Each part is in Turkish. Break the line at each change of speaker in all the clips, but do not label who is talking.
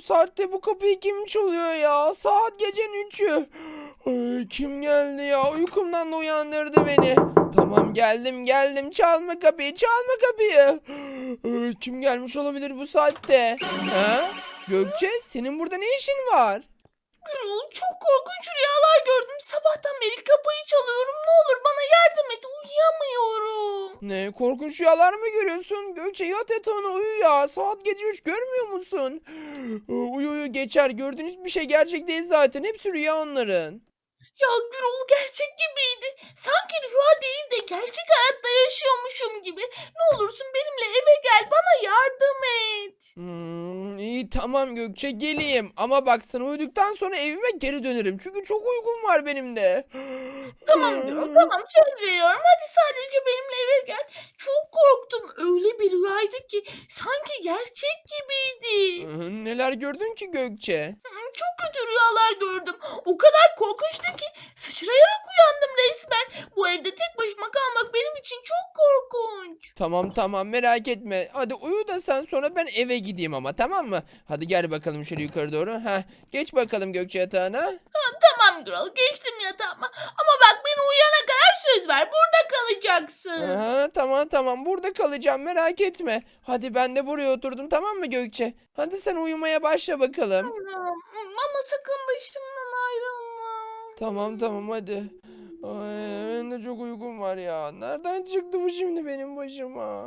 saatte bu kapıyı kim çalıyor ya? Saat gecenin 3'ü. Ay, kim geldi ya? Uykumdan da uyandırdı beni. Tamam geldim. Çalma kapıyı, çalma kapıyı. Ay, kim gelmiş olabilir bu saatte? Ha? Gökçe, senin burada ne işin var?
Gürol, çok korkunç rüyalar gördüm. Sabahtan beri kapıyı çalıyorum. Ne olur bana yardım et. Uyuyamıyorum.
Ne korkunç rüyalar mı görüyorsun? Gökçe yat yatağına uyu ya. Saat gece 3 görmüyor musun? Uyu geçer. Gördüğün hiçbir şey gerçek değil zaten. Hepsi rüya onların.
Ya Gürol, gerçek gibiydi. Sanki rüya değil de gerçek hayatta yaşıyormuşum gibi. Ne olursun benimle eve gel. Bana yardım et.
İyi tamam Gökçe geleyim. Ama bak sen uyuduktan sonra evime geri dönerim. Çünkü çok uykum var benim de.
Tamam Gürol, tamam, söz veriyorum. Hadi sadece benimle eve gel. Çok korktum. Öyle bir rüyaydı ki sanki gerçek gibiydi.
Neler gördün ki Gökçe?
Çok kötü rüyalar gördüm. O kadar korkunçtu ki sıçrayarak uyandım resmen. Bu evde tek başıma kalmak benim için çok korkunç.
Tamam merak etme. Hadi uyu da sen sonra ben eve gideyim ama tamam mı? Hadi gel bakalım şöyle yukarı doğru. Heh, geç bakalım Gökçe yatağına.
Tamam Gürol, geçtim yatağıma. Ama bak, beni uyuyana kadar söz ver. Burada kalacaksın.
Aha, tamam burada kalacağım merak etme. Hadi ben de buraya oturdum tamam mı Gökçe? Hadi sen uyumaya başla bakalım.
Tamam. Ama sakın başımdan ayrılma.
Tamam hadi. Ay, benim de çok uykum var ya. Nereden çıktı bu şimdi benim başıma?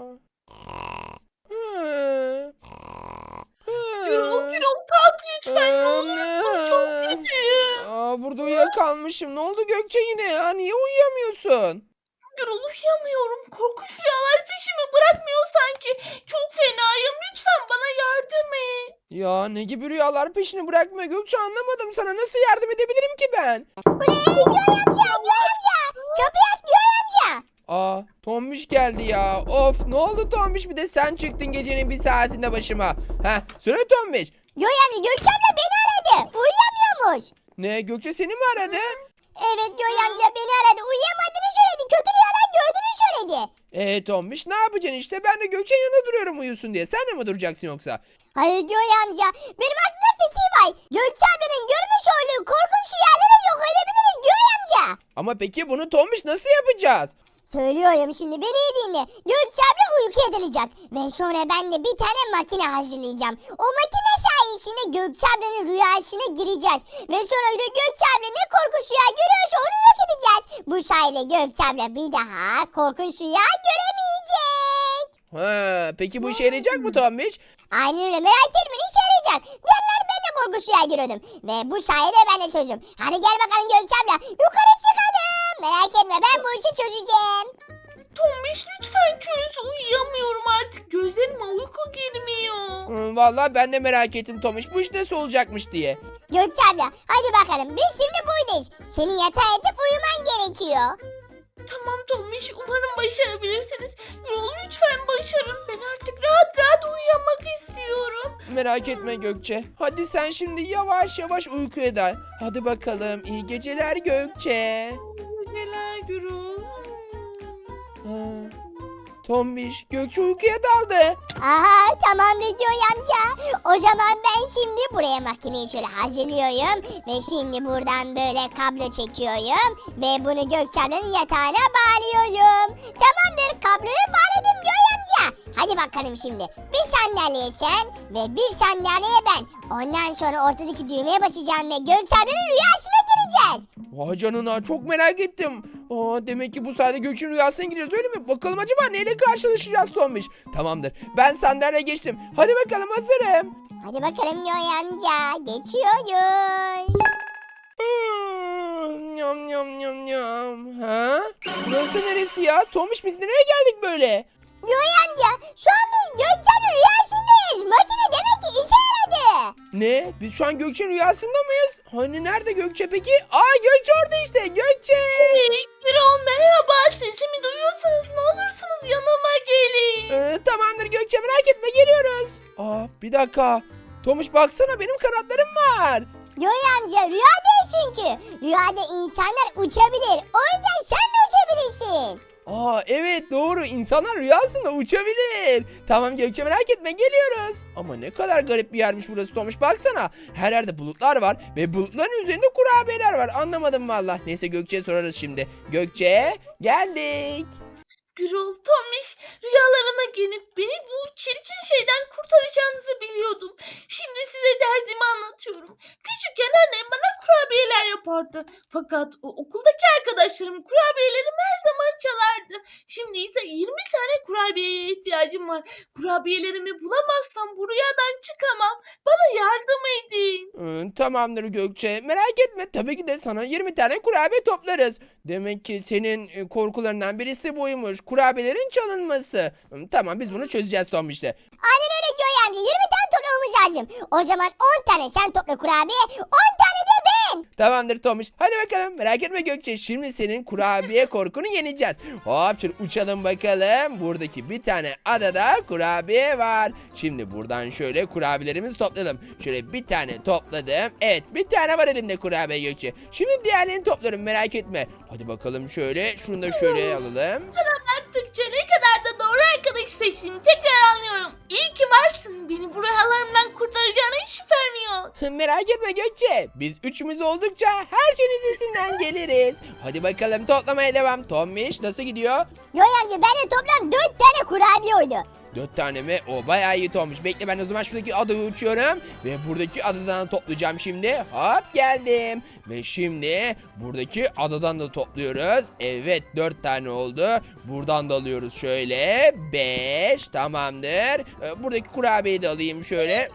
Hı.
Gürol, kalk lütfen. Ne olursun, çok kötüyüm.
Burada uyuyakalmışım. Ne oldu Gökçe yine ya? Niye uyuyamıyorsun?
Gürol, uyuyamıyorum. Korkunç rüyalar peşimi bırakmıyor sanki. Çok fenayım. Lütfen bana yardım et.
Ya ne gibi rüyalar peşini bırakmıyor Gökçe anlamadım sana. Nasıl yardım edebilirim ki ben?
Göğe amca. Kapıyı aç Göğe amca.
Tombiş geldi ya. Of ne oldu Tombiş bir de sen çıktın gecenin bir saatinde başıma. Söyle Tombiş.
Göğe amca Gökçe abla beni aradı. Uyuyamıyormuş.
Ne Gökçe seni mi aradı?
Evet Göğe amca beni aradı. Uyuyamadığını söyledi. Kötü rüyalar gördüğünü söyledi.
Tombiş ne yapacaksın işte ben de Gökçe'nin yanında duruyorum uyusun diye. Sen de mi duracaksın yoksa?
Hayır Göğe amca. Benim aklımda fikir var. Gökçe ablanın görmüş olduğu korkunç rüyaları yok edebiliriz Göğe amca.
Ama peki bunu Tombiş nasıl yapacağız?
Söylüyorum şimdi beni iyi dinle. Gökçe abla uyku edilecek. Ve sonra ben de bir tane makine hazırlayacağım. O makine sayesinde Gökçe ablanın rüyasına gireceğiz. Ve sonra da Gökçe abla ne korkunç rüya görüyorsa onu yok edeceğiz. Bu sayede Gökçe abla bir daha korkunç rüya göremeyecek.
Peki bu işe yarayacak mı Tombiş?
Aynen öyle, merak etme, işe yarayacak. Bir anlar ben de korkunç rüya görüyordum. Ve bu sayede ben de çözdüm. Hadi gel bakalım Gökçe abla, yukarı çıkalım. Merak etme, ben bu işi çözeceğim.
Tombiş, lütfen çöz. Uyuyamıyorum artık. Gözlerime uyku girmiyor.
Vallahi ben de merak ettim Tombiş bu iş nasıl olacakmış diye.
Gökçe abla hadi bakalım, biz şimdi buradayız. Senin yatağa yatıp uyuman gerekiyor.
Tamam Tombiş, umarım başarabilirsiniz. Gürol, lütfen başarın. Ben artık rahat rahat uyuyamak istiyorum.
Merak etme Gökçe. Hadi sen şimdi yavaş yavaş uykuya dal. Hadi bakalım iyi geceler Gökçe.
Geceler Gürol.
Ha, Tombiş Gökçe uykuya daldı.
Aha tamamdır Göğe amca. O zaman ben şimdi buraya makineyi şöyle hazırlıyorum. Ve şimdi buradan böyle kablo çekiyorum. Ve bunu Gökçe ablanın yatağına bağlıyorum. Tamamdır, kabloyu bağladım Göğe amca. Hadi bakalım şimdi. Bir sandalye sen ve bir sandalye ben. Ondan sonra ortadaki düğmeye basacağım ve Gökçe ablanın rüyasına gireceğiz.
Vay canına çok merak ettim. Demek ki bu sayede Gökçe'nin rüyasına gideceğiz öyle mi? Bakalım acaba neyle karşılaşacağız Tombiş? Tamamdır ben sandalyeye geçtim. Hadi bakalım hazırım.
Hadi bakalım Göğe amca, geçiyoruz.
Nyam nyam nyam nyam. Ha? Burası neresi ya? Tombiş biz nereye geldik böyle?
Göğe amca, şu an biz Gökçe ablanın rüyasındayız. Makine demek ki işe yaradı.
Ne? Biz şu an Gökçe'nin rüyasında mıyız? Hani nerede Gökçe peki? Gökçe orada işte. Gökçe.
Gürol, merhaba. Sesimi duyuyorsanız ne olursunuz yanıma gelin.
Tamamdır Gökçe merak etme geliyoruz. Bir dakika. Tomuş baksana benim kanatlarım var.
Göğe amca, rüya değil çünkü. Rüyada insanlar uçabilir. O yüzden sen de uçabilirsin.
Aa evet doğru, insanlar rüyasında uçabilir. Tamam Gökçe, merak etme, geliyoruz. Ama ne kadar garip bir yermiş burası Tomuş, baksana. Her yerde bulutlar var ve bulutların üzerinde kurabiyeler var, anlamadım valla. Neyse Gökçe'ye sorarız şimdi. Gökçe, geldik.
Gürol, Tombiş, rüyalarıma gelip beni bu çirkin şeyden kurtaracağınızı biliyordum. Şimdi size derdimi anlatıyorum. Küçükken annem bana kurabiyeler yapardı. Fakat o okuldaki arkadaşlarım kurabiyelerimi her zaman çalardı. Şimdi ise 20 tane kurabiyeye ihtiyacım var. Kurabiyelerimi bulamazsam bu rüyadan çıkamam. Bana yardım edin.
Tamamdır Gökçe, merak etme, tabii ki de sana 20 tane kurabiye toplarız. Demek ki senin korkularından birisi buymuş, kurabiyelerin çalınması. Tamam, biz bunu çözeceğiz Tom işte.
Aynen öyle Göğe amca, 20 tane toplamamız lazım. O zaman 10 tane sen topla kurabiye, 10 tane de ben.
Tamamdır Tomuş. Hadi bakalım, merak etme Gökçe. Şimdi senin kurabiye korkunu yeneceğiz. Hop şöyle uçalım bakalım. Buradaki bir tane adada kurabiye var. Şimdi buradan şöyle kurabiyelerimizi toplayalım. Şöyle bir tane topladım. Evet, bir tane var elimde kurabiye Gökçe. Şimdi diğerlerini toplarım, merak etme. Hadi bakalım şöyle. Şunu da şöyle alalım.
Sana baktıkça ne kadar da doğru arkadaş seçtiğimi tekrar anlıyorum. İyi ki varsın. Beni bu rüyalarımdan kurtaracağına hiç şüphem yok.
Merak etme Gökçe. Biz üçümüz oldukça her şeyin üstesinden geliriz. Hadi bakalım, toplamaya devam. Tombiş nasıl gidiyor?
Göğe amca bende toplam 4 tane kurabiye oldu.
4 tane mi? O bayağı iyi olmuş. Bekle, ben o zaman şuradaki adayı uçuyorum. Ve buradaki adadan toplayacağım şimdi. Hop geldim. Ve şimdi buradaki adadan da topluyoruz. Evet, 4 tane oldu. Buradan da alıyoruz şöyle. 5 tamamdır. Buradaki kurabiyeyi de alayım şöyle.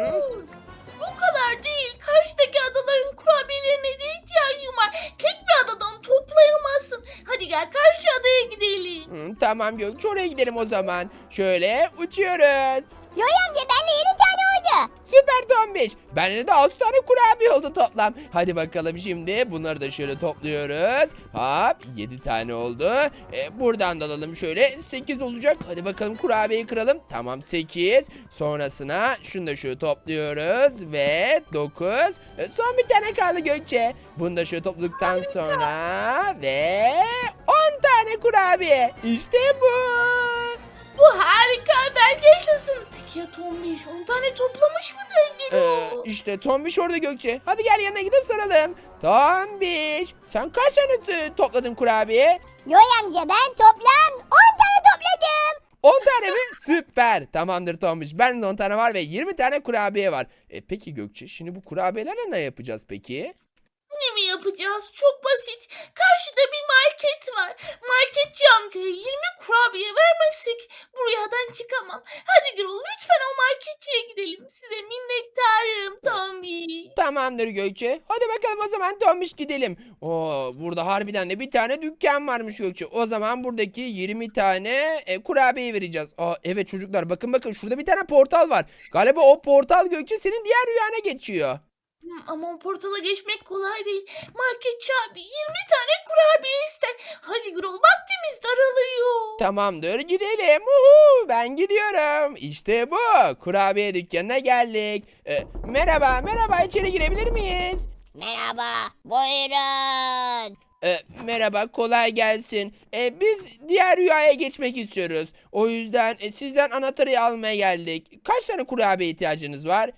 Bu kadar değil. Karşıdaki adaların kurabiyelerine de ihtiyacım var. Tek bir adadan toplayamazsın. Hadi gel karşı adaya gidelim.
Tamam Gökçe, oraya gidelim o zaman. Şöyle uçuyoruz.
Göğe amca bende 7 tane oldu.
Süper Tombiş. Bende de 6 tane kurabiye oldu toplam. Hadi bakalım şimdi bunları da şöyle topluyoruz. Hop 7 tane oldu. Buradan da alalım şöyle, 8 olacak. Hadi bakalım kurabiyeyi kıralım. Tamam 8. Sonrasına şunu da şöyle topluyoruz ve 9. Son bir tane kaldı Gökçe. Bunu da şöyle topladıktan sonra ve 10 tane kurabiye. İşte bu.
Bu harika haber, yaşasın. Peki ya Tombiş 10 tane toplamış mıdır Gürol?
İşte Tombiş orada Gökçe. Hadi gel yanına gidip soralım. Tombiş, sen kaç tane topladın kurabiye?
Göğe amca ben toplam 10 tane topladım.
10 tane mi? Süper. Tamamdır Tombiş. Ben de 10 tane var ve 20 tane kurabiye var. Peki Gökçe, şimdi bu kurabiyelerle ne yapacağız peki?
Ne mi yapacağız? Çok basit. Karşıda bir market var. Marketçi amcaya 20 kurabiye vermezsek bu rüyadan çıkamam. Hadi Gürol, lütfen o marketçiye gidelim. Size minnettarım Tombiş.
Tamamdır Gökçe. Hadi bakalım o zaman Tombiş, gidelim. Oo, burada harbiden de bir tane dükkan varmış Gökçe. O zaman buradaki 20 tane kurabiye vereceğiz. Evet çocuklar, bakın şurada bir tane portal var. Galiba o portal Gökçe senin diğer rüyana geçiyor.
Ama o portala geçmek kolay değil. Marketçi abi 20 tane kurabiye ister. Hadi Gürol, vaktimiz daralıyor.
Tamamdır, gidelim. Uhu, ben gidiyorum. İşte bu. Kurabiye dükkanına geldik. Merhaba, içeri girebilir miyiz?
Merhaba, buyurun.
Merhaba, kolay gelsin. Biz diğer rüyaya geçmek istiyoruz. O yüzden sizden anahtarı almaya geldik. Kaç tane kurabiye ihtiyacınız var?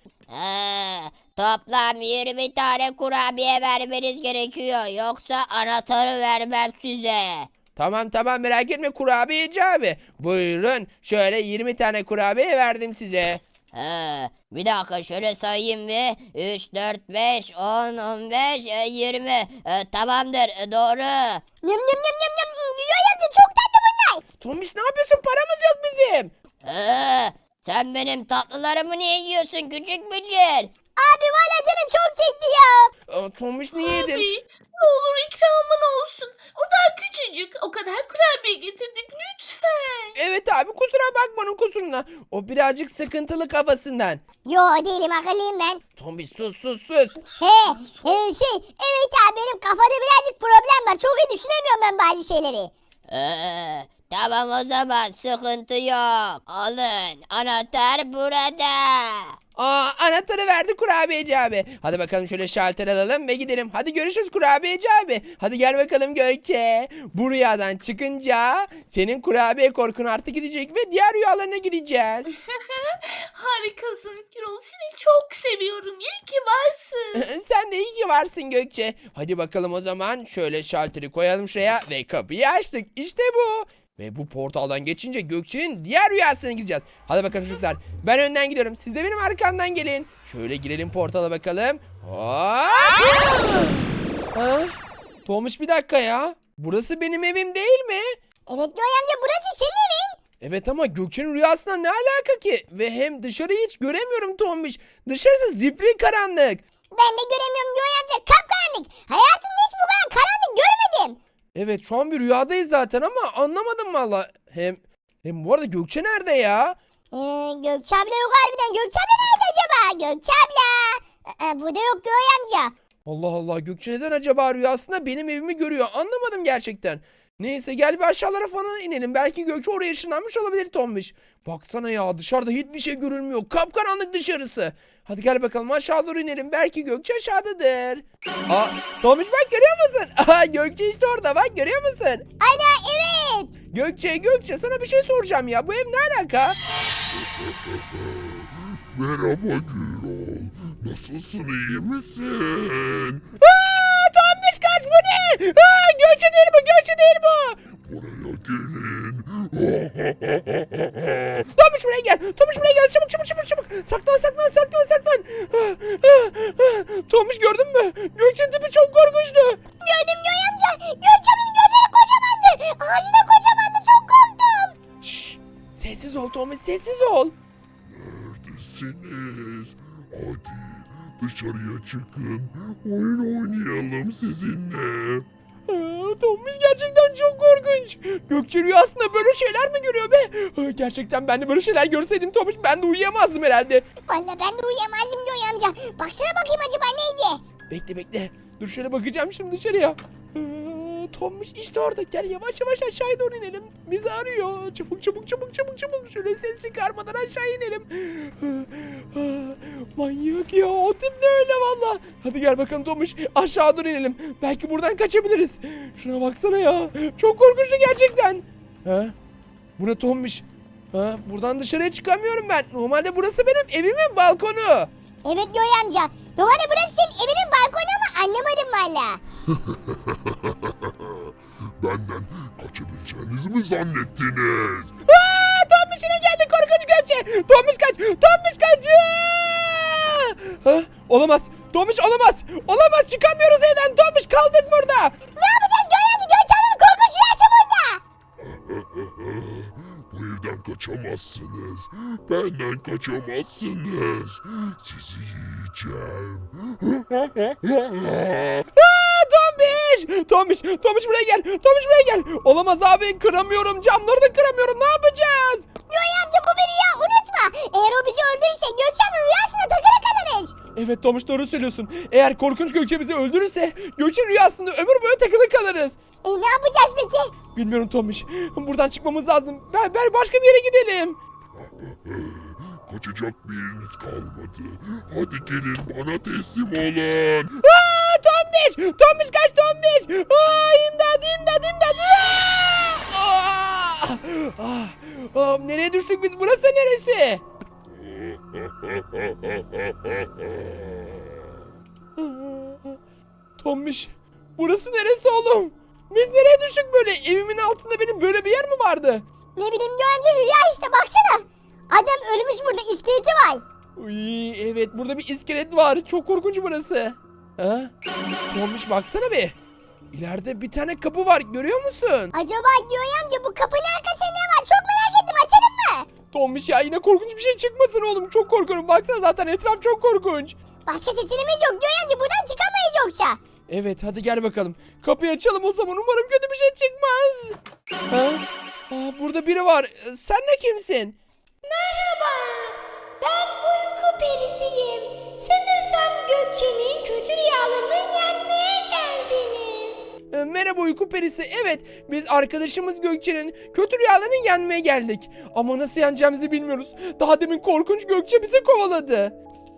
Toplam 20 tane kurabiye vermeniz gerekiyor. Yoksa anahtarı vermem size.
Tamam merak etme kurabiyeci abi. Buyurun, şöyle 20 tane kurabiye verdim size.
Bir dakika şöyle sayayım bir. 3, 4, 5, 10, 15, 20. Tamamdır, doğru.
Nım nım nım nım nım. Göğe amca çok tatlı bunlar.
Tombiş ne yapıyorsun? Paramız yok bizim.
Sen benim tatlılarımı niye yiyorsun küçük bücür?
Abi valla canım çok çekti ya.
Tombiş niye yedin?
Abi ne olur ikramın olsun. O daha küçücük. O kadar kurabiye getirdik lütfen.
Evet abi, kusura bakma onun kusuruna. O birazcık sıkıntılı kafasından.
Yo değilim, akıllıyım ben.
Tombiş sus.
Evet abi benim kafada birazcık problem var. Çok iyi düşünemiyorum ben bazı şeyleri.
Tamam o zaman sıkıntı yok. Alın, anahtar burada.
Anahtarı verdi kurabiyeci abi. Hadi bakalım şöyle şalter alalım ve gidelim. Hadi görüşürüz kurabiyeci abi. Hadi gel bakalım Gökçe. Bu rüyadan çıkınca senin kurabiye korkun artık gidecek ve diğer rüyalarına gideceğiz.
Harikasın Gürol. Seni çok seviyorum. İyi ki varsın.
Sen de iyi ki varsın Gökçe. Hadi bakalım o zaman şöyle şalteri koyalım şuraya ve kapıyı açtık. İşte bu. Ve bu portaldan geçince Gökçe'nin diğer rüyasına gireceğiz. Hadi bakalım çocuklar. Ben önden gidiyorum. Siz de benim arkamdan gelin. Şöyle girelim portala bakalım. Hop! Ha? Tomuş bir dakika ya. Burası benim evim değil mi?
Evet Göğe amca burası senin evin.
Evet ama Gökçe'nin rüyasına ne alaka ki? Ve hem dışarıyı hiç göremiyorum Tomuş. Dışarısı zifiri karanlık.
Ben de göremiyorum Göğe amca kapkaranlık. Hayatımda hiç bu kadar karanlık görmedim.
Evet şu an bir rüyadayız zaten ama anlamadım valla. Hem bu arada Gökçe nerede ya?
Gökçe abla yok harbiden. Gökçe abla nerede acaba? Gökçe abla. Burada yok Göğe amca.
Allah Allah Gökçe neden acaba rüyasında benim evimi görüyor? Anlamadım gerçekten. Neyse gel bir aşağılara falan inelim. Belki Gökçe oraya ışınlanmış olabilir Tombiş. Baksana ya dışarıda hiçbir şey görülmüyor. Kapkaranlık dışarısı. Hadi gel bakalım aşağı doğru inelim. Belki Gökçe aşağıdadır. Tombiş bak görüyor musun? Gökçe işte orada bak görüyor musun?
Ana evet.
Gökçe sana bir şey soracağım ya. Bu ev ne alaka?
Merhaba Gürol. Nasılsın, iyi misin?
Tombiş kaç bu ne? Gökçe değil bu Gökçe değil bu.
Buraya gelin.
Tomuş buraya gel. Tomuş buraya gel. Çabuk. Saklan. Tomuş gördün mü? Gökçe'nin tipi çok korkunçtu.
Gördüm Göğe amca. Gökçe ablanın gözleri kocamandı. Ağzı da kocamandı. Çok korktum.
Şşş. Sessiz ol Tomuş sessiz ol.
Neredesiniz? Hadi dışarıya çıkın. Oyun oynayalım sizinle.
Tomuş gerçekten çok korkunç. Gökçe rüyasında böyle şeyler mi görüyor be? Gerçekten ben de böyle şeyler görseydim Tomuş ben de uyuyamazdım herhalde.
Valla ben de uyuyamazdım Göğe amca. Baksana bakayım acaba neydi?
Bekle. Dur şöyle bakacağım şimdi dışarıya. Tommiş işte orada. Gel yavaş aşağıya doğru inelim. Bizi arıyor. Çabuk. Şöyle ses çıkarmadan aşağı inelim. Manyak ya. O tip ne öyle valla. Hadi gel bakalım Tommiş. Aşağı doğru inelim. Belki buradan kaçabiliriz. Şuna baksana ya. Çok korkunçtu gerçekten. Bu ne Tommiş? Buradan dışarıya çıkamıyorum ben. Normalde burası benim evimin balkonu.
Evet Göğe amca. Normalde burası senin evinin balkonu ama anlamadım valla.
Benden kaçabileceğinizi mi zannettiniz?
Tombiş yine geldi korkunç Gökçe. Tombiş kaç. Olamaz. Tombiş olamaz. Çıkamıyoruz evden. Tombiş kaldık burada.
Ne yapacağız Göğe amca? Gökçe ablanın korkunç rüyası burada.
Bu evden kaçamazsınız. Benden kaçamazsınız. Sizi yiyeceğim.
Tombiş buraya gel. Olamaz abi kıramıyorum. Camları da kıramıyorum. Ne yapacağız?
Göğe amca bu bir rüya unutma. Eğer o bizi öldürürse Gökçe ablanın rüyasına takılı kalırız.
Evet Tomuş doğru söylüyorsun. Eğer korkunç Gökçe bizi öldürürse Gökçe rüyasında ömür boyu takılı kalırız.
Ne yapacağız peki?
Bilmiyorum Tomuş. Buradan çıkmamız lazım. Ben başka bir yere gidelim.
Kaçacak bir yeriniz kalmadı. Hadi gelin bana teslim olun.
Tombiş kaç Tombiş. İmdat. Nereye düştük biz? Burası neresi? Tombiş. Burası neresi oğlum? Biz nereye düştük böyle? Evimin altında benim böyle bir yer mi vardı?
Ne bileyim Göğe amca rüya işte baksana. Adam ölmüş burada iskeleti var.
Uy, evet burada bir iskelet var. Çok korkunç burası. Tombiş baksana be. İleride bir tane kapı var. Görüyor musun?
Acaba Göğe amca bu kapının arkasında ne var? Çok merak ettim açalım mı?
Tombiş ya yine korkunç bir şey çıkmasın oğlum. Çok korkuyorum. Baksana zaten etraf çok korkunç.
Başka seçeneğimiz yok Göğe amca buradan çıkamayız yoksa.
Evet hadi gel bakalım. Kapıyı açalım o zaman. Umarım kötü bir şey çıkmaz. Burada biri var. Sen de kimsin?
Merhaba, ben uyku perisiyim. Sanırsam Gökçe'nin kötü rüyalarını yenmeye geldiniz.
Merhaba uyku perisi. Evet biz arkadaşımız Gökçe'nin kötü rüyalarını yenmeye geldik. Ama nasıl yeneceğimizi bilmiyoruz. Daha demin korkunç Gökçe bizi kovaladı.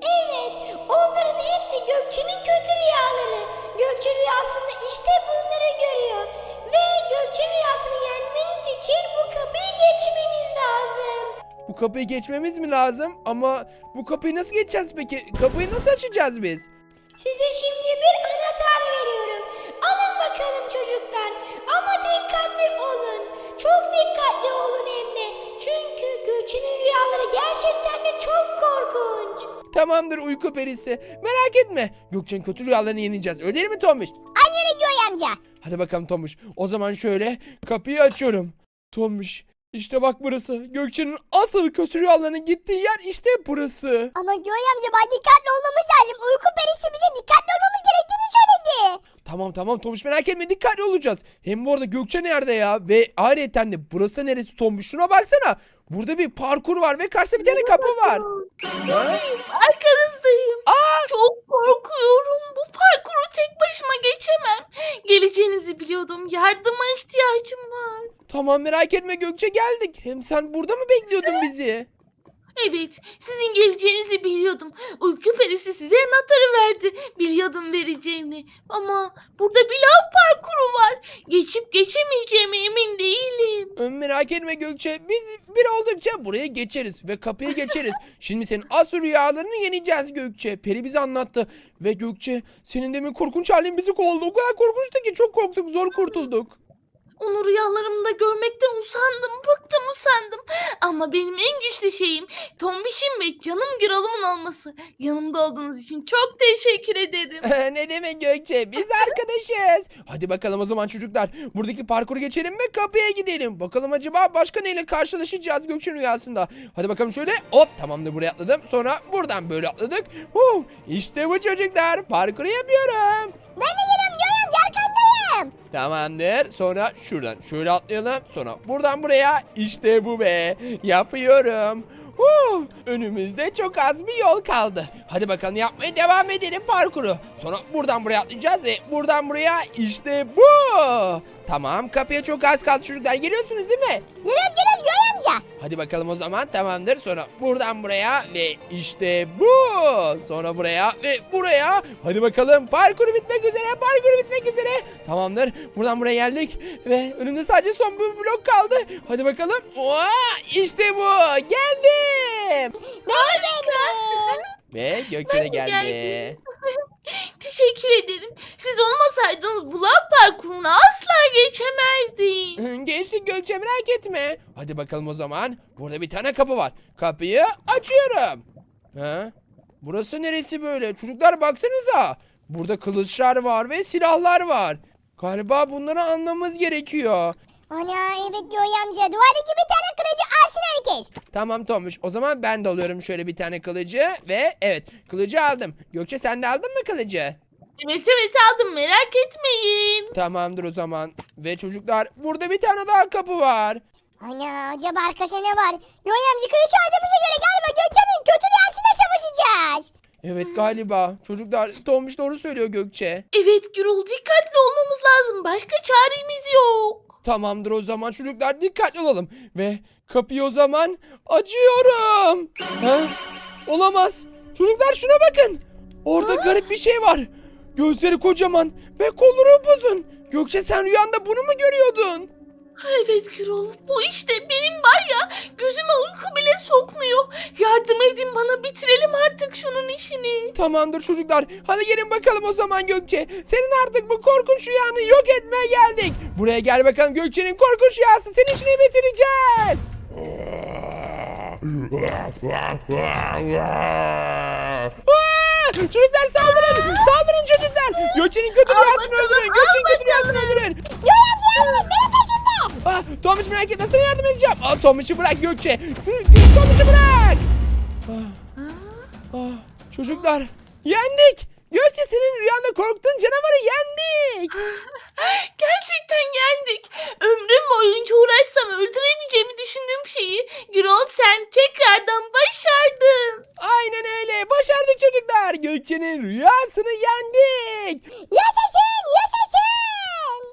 Evet, onların hepsi Gökçe'nin kötü rüyaları. Gökçe rüyasında işte bunları görüyor. Ve Gökçe rüyasını yenmeniz için bu kapıyı geçmeniz lazım.
Bu kapıyı geçmemiz mi lazım? Ama bu kapıyı nasıl geçeceğiz peki? Kapıyı nasıl açacağız biz?
Size şimdi bir anahtar veriyorum. Alın bakalım çocuklar. Ama dikkatli olun. Çok dikkatli olun hem de. Çünkü Gökçe'nin rüyaları gerçekten de çok korkunç.
Tamamdır uyku perisi. Merak etme. Gökçe'nin kötü rüyalarını yeneceğiz. Öyle değil mi Tomuş?
Annene Göğe amca.
Hadi bakalım Tomuş. O zaman şöyle kapıyı açıyorum. Tomuş. İşte bak burası. Gökçe'nin asıl kötü rüyalarının gittiği yer işte burası.
Ama Göğe amca bak dikkatli olmamız lazım. Uyku perisi bize dikkatli olmamız gerektiğini söyledi.
Tamam Tomuş merak etme dikkatli olacağız. Hem bu arada Gökçe nerede ya? Ve ayrıca de burası neresi Tomuş? Şuna baksana. Burada bir parkur var ve karşıda bir tane kapı var.
Buradayım, arkanızdayım. Çok korkuyorum. Bu parkuru tek başıma geçemem. Geleceğinizi biliyordum. Yardıma ihtiyacım var.
Tamam merak etme Gökçe geldik. Hem sen burada mı bekliyordun bizi?
Evet, sizin geleceğinizi biliyordum. Uyku perisi size anahtarı verdi. Biliyordum vereceğini. Ama burada bir lav parkuru var. Geçip geçemeyeceğime emin değilim.
Merak etme Gökçe. Biz bir oldukça buraya geçeriz ve kapıyı geçeriz. Şimdi senin asıl rüyalarını yeneceğiz Gökçe. Peri bize anlattı. Ve Gökçe senin demin korkunç halin bizi kovdu. O kadar korkunçtu ki çok korktuk zor kurtulduk.
Onu rüyalarımda görmekten bıktım usandım. Ama benim en güçlü şeyim Tombiş'im ve canım Gürol'umun olması. Yanımda olduğunuz için çok teşekkür ederim.
Ne demek Gökçe? Biz arkadaşız. Hadi bakalım o zaman çocuklar. Buradaki parkuru geçelim ve kapıya gidelim. Bakalım acaba başka neyle karşılaşacağız Gökçe'nin rüyasında. Hadi bakalım şöyle. Hop tamamdır buraya atladım. Sonra buradan böyle atladık. İşte bu çocuklar. Parkuru yapıyorum.
Ben de geliyorum Göğe amca arkandayım.
Tamamdır. Sonra şuradan şöyle atlayalım. Sonra buradan buraya. İşte bu be. Yapıyorum. Önümüzde çok az bir yol kaldı. Hadi bakalım yapmaya devam edelim parkuru. Sonra buradan buraya atlayacağız ve buradan buraya işte bu. Tamam kapıya çok az kaldı çocuklar. Geliyorsunuz değil mi?
Geliyorum Göğe amca.
Hadi bakalım o zaman tamamdır. Sonra buradan buraya ve işte bu. Sonra buraya ve buraya. Hadi bakalım parkuru bitmek üzere. Parkuru bitmek üzere. Tamamdır. Buradan buraya geldik. Ve önümde sadece son bir blok kaldı. Hadi bakalım. İşte bu. Geldim.
Ben de geldim.
Ve Gökçe de
Ben de
geldi.
geldim. Teşekkür ederim. Siz olmasaydınız bu lav parkurunu asla geçemezdim.
Geçtik Gökçe merak etme. Hadi bakalım o zaman. Burada bir tane kapı var. Kapıyı açıyorum. Ha? Burası neresi böyle? Çocuklar baksanıza. Burada kılıçlar var ve silahlar var. Galiba bunları anlamamız gerekiyor.
Ana evet Göğe amca. Duvardaki bir tane kılıcı alsın herkes.
Tamam Tomuş. O zaman ben de alıyorum şöyle bir tane kılıcı. Ve evet kılıcı aldım. Gökçe sen de aldın mı kılıcı?
Evet aldım merak etmeyin.
Tamamdır o zaman. Ve çocuklar burada bir tane daha kapı var.
Ana acaba arkasında ne var? Göğe amca kılıç aldığımıza göre galiba Gökçe'nin kötü rüyasıyla savaşacağız.
Evet galiba. Çocuklar Tomuş doğru söylüyor Gökçe.
Evet Gürol dikkatli olmamız lazım. Başka çaremiz yok.
Tamamdır o zaman çocuklar dikkatli olalım. Ve kapıyı o zaman açıyorum. Ha? Olamaz. Çocuklar şuna bakın. Orada garip bir şey var. Gözleri kocaman ve kolları upuzun. Gökçe sen rüyanda bunu mu görüyordun?
Evet Gürol bu işte benim var ya gözüme uyku bile sokmuyor. Yardım edin bana bitirelim artık şunun işini.
Tamamdır çocuklar. Hadi gelin bakalım o zaman Gökçe. Senin artık bu korkunç rüyanı yok etmeye geldik. Buraya gel bakalım Gökçe'nin korkunç rüyası. Senin işini bitireceğiz. Çocuklar saldırın. Saldırın çocuklar. Gökçe'nin kötü rüyasını
bakalım,
öldürün.
al
Gökçe'nin kötü rüyasını
bakalım.
öldürün.
Göğe amca yardım et beni peşinde.
Tomuş merak etme sana yardım edeceğim. Tomuş'u bırak Gökçe. Tomuş'u bırak. Çocuklar yendik. Gökçe senin rüyanda korktuğun canavarı yendik.
Gerçekten yendik. Ömrüm boyunca uğraşsam öldüremeyeceğimi düşündüğüm şeyi Gürol sen tekrardan başardın.
Aynen öyle. Başardık çocuklar. Gökçe'nin rüyasını yendik.
Yaşasın yaşasın.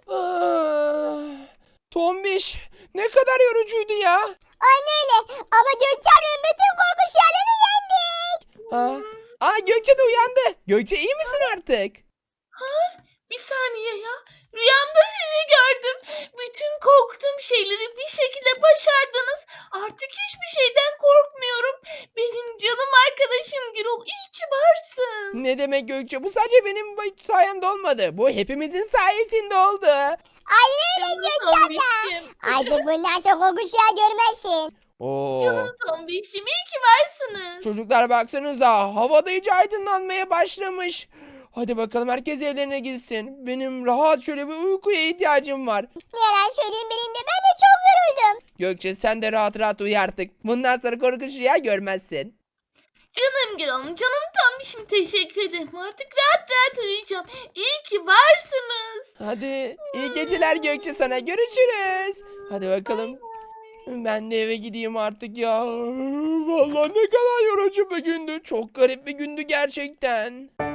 Tombiş ne kadar yorucuydu ya.
Aynen öyle ama Gökçe ablanın bütün korkunç rüyalarını yendik.
Aa, Gökçe de uyandı. Gökçe iyi misin artık?
Bir saniye ya. Rüyamda sizi gördüm. Bütün korktuğum şeyleri bir şekilde başardınız. Artık hiçbir şeyden korkmuyorum. Benim canım arkadaşım Gürol. İyi ki varsın.
Ne demek Gökçe? Bu sadece benim sayemde olmadı. Bu hepimizin sayesinde oldu.
Aynen öyle
Canım
Gökçe abla.
Tombiş'im.
Artık bundan sonra o kuşağı görmezsin.
Oo.
Canım Tombiş'im. İyi ki varsınız.
Çocuklar baksanıza, havada iyice aydınlanmaya başlamış. Hadi bakalım, herkes evlerine gitsin. Benim rahat şöyle bir uykuya ihtiyacım var.
Ne yalan söyleyeyim benim de ben de çok yoruldum.
Gökçe sen de rahat rahat uyu artık. Bundan sonra korkunç rüya görmezsin.
Canım Gürol'um. Canım Tombiş'im. Teşekkür ederim. Artık rahat rahat uyuyacağım. İyi ki varsınız.
Hadi iyi geceler Gökçe, sana görüşürüz. Hadi bakalım. Ben de eve gideyim artık ya. Vallahi ne kadar yorucu bir gündü. Çok garip bir gündü gerçekten.